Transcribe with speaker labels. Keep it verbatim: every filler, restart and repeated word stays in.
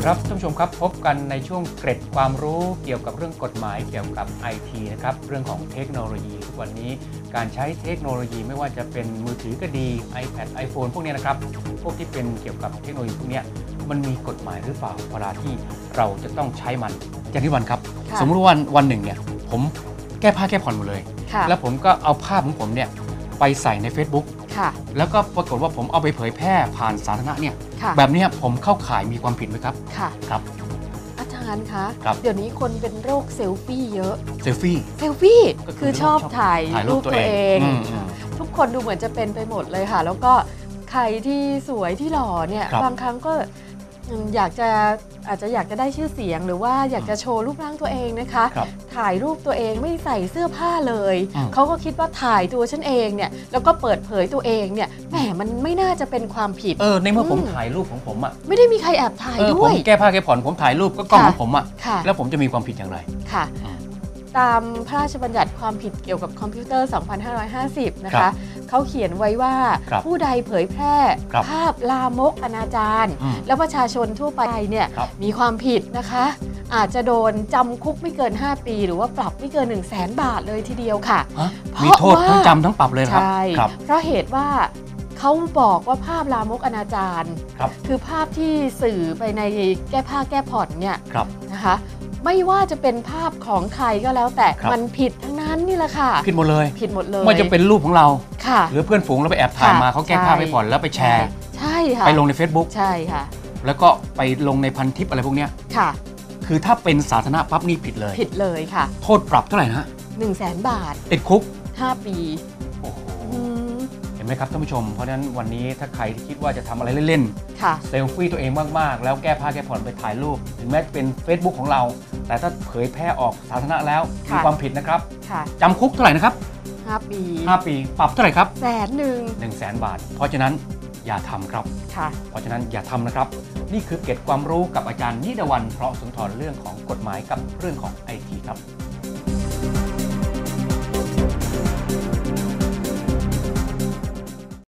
Speaker 1: ครับท่านผู้ชมครับพบกันในช่วงเกร็ดความรู้เกี่ยวกับเรื่องกฎหมายเกี่ยวกับ ไอ ที นะครับเรื่องของเทคโนโลยีทุกวันนี้การใช้เทคโนโลยีไม่ว่าจะเป็นมือถือก็ดี iPad iPhone พวกนี้นะครับพวกที่เป็นเกี่ยวกับเทคโนโลยีพวกนี้มันมีกฎหมายหรือเปล่าเวลาที่เราจะต้องใช้มันอย่างที่วันครับสมมติว่าวันวันหนึ่งเนี่ยผมแก้ผ้าแก้ผ่อนหมดเลยแล้วผมก็เอาภาพของผมเนี่ยไปใส่ใน Facebook แล้วก็ปรากฏว่าผมเอาไปเผยแพร่ผ่านสาธารณะเนี่ยแบบนี้ผมเข้าข่ายมีความผิดไหมครับ
Speaker 2: ค่ะ
Speaker 1: ครับ
Speaker 2: อาจารย์คะเดี๋ยวนี้คนเป็นโรคเซลฟี่เยอะ
Speaker 1: เซลฟี่
Speaker 2: เซลฟี่คือชอบถ่ายรูปตัวเองทุกคนดูเหมือนจะเป็นไปหมดเลยค่ะแล้วก็ใครที่สวยที่หล่อเนี่ยบางครั้งก็อยากจะอาจจะอยากจะได้ชื่อเสียงหรือว่าอยากจะโชว์รูปร่างตัวเองนะคะถ่ายรูปตัวเองไม่ใส่เสื้อผ้าเลยเขาก็คิดว่าถ่ายตัวฉันเองเนี่ยแล้วก็เปิดเผยตัวเองเนี่ยแหมมันไม่น่าจะเป็นความผิด
Speaker 1: เออในเมื่อผมถ่ายรูปของผมอ่ะ
Speaker 2: ไม่ได้มีใครแอบถ่ายด้วย
Speaker 1: ผมแก้ผ้าแก้ผ่อนผมถ่ายรูปก็กล้องของผมอ่ะแล้วผมจะมีความผิดอย่างไร
Speaker 2: ค่ะตามพระราชบัญญัติความผิดเกี่ยวกับคอมพิวเตอร์ สองพันห้าร้อยห้าสิบ นะคะเขาเขียนไว้ว่าผู้ใดเผยแพร่ภาพลามกอนาจารแล้วประชาชนทั่วไปเนี่ยมีความผิดนะคะอาจจะโดนจำคุกไม่เกินห้าปีหรือว่าปรับไม่เกิน หนึ่งแสน บาทเลยทีเดียวค่ะ
Speaker 1: มีโทษทั้งจำทั้งปรับเลยครับ
Speaker 2: ใช่เพราะเหตุว่าเขาบอกว่าภาพลามกอนาจารคือภาพที่สื่อไปในแก้ผ้าแก้ผ่อนเนี่ยนะคะไม่ว่าจะเป็นภาพของใครก็แล้วแต่มันผิดทั้งนั้นนี่แหละค่ะ
Speaker 1: ผิดหมดเลย
Speaker 2: ผิดหมดเลย
Speaker 1: ไม่จะเป็นรูปของเราหรือเพื่อนฝูงเราไปแอบถ่ายมาเขาแก้ผ้าไปผ่อนแล้วไปแชร์
Speaker 2: ใช่ค่ะ
Speaker 1: ไปลงใน Facebook
Speaker 2: ใช่ค่ะ
Speaker 1: แล้วก็ไปลงในพันทิปอะไรพวกนี้
Speaker 2: ค่ะ
Speaker 1: คือถ้าเป็นสาธารณะปั๊บนี่ผิดเลย
Speaker 2: ผิดเลยค่ะ
Speaker 1: โทษปรับเท่าไหร่นะ
Speaker 2: หนึ่งแสนบาท
Speaker 1: ติดคุก
Speaker 2: ห้าปี
Speaker 1: โอ้โหเห็นไหมครับท่านผู้ชมเพราะฉะนั้นวันนี้ถ้าใครที่คิดว่าจะทำอะไรเล่นๆเซลฟี่ตัวเองมากๆแล้วแก้ผ้าแก้ผ่อนไปถ่ายรูปถึงแม้เป็น Facebook ของเราแต่ถ้าเผยแพร่ออกสาธารณะแล้วมีความผิดนะครับจำคุกเท่าไหร่นะครับ
Speaker 2: ห้าปี
Speaker 1: ห้าปีปรับเท่าไหร่ครับ
Speaker 2: แสนหนึ่ง
Speaker 1: หนึ่งแสนบาทเพราะฉะนั้นอย่าทำครับเพราะฉะนั้นอย่าทำนะครับนี่คือเกร็ดความรู้กับอาจารย์นิดวรรณเพราะสุนทรเรื่องของกฎหมายกับเรื่องของ ไอ ที ครับ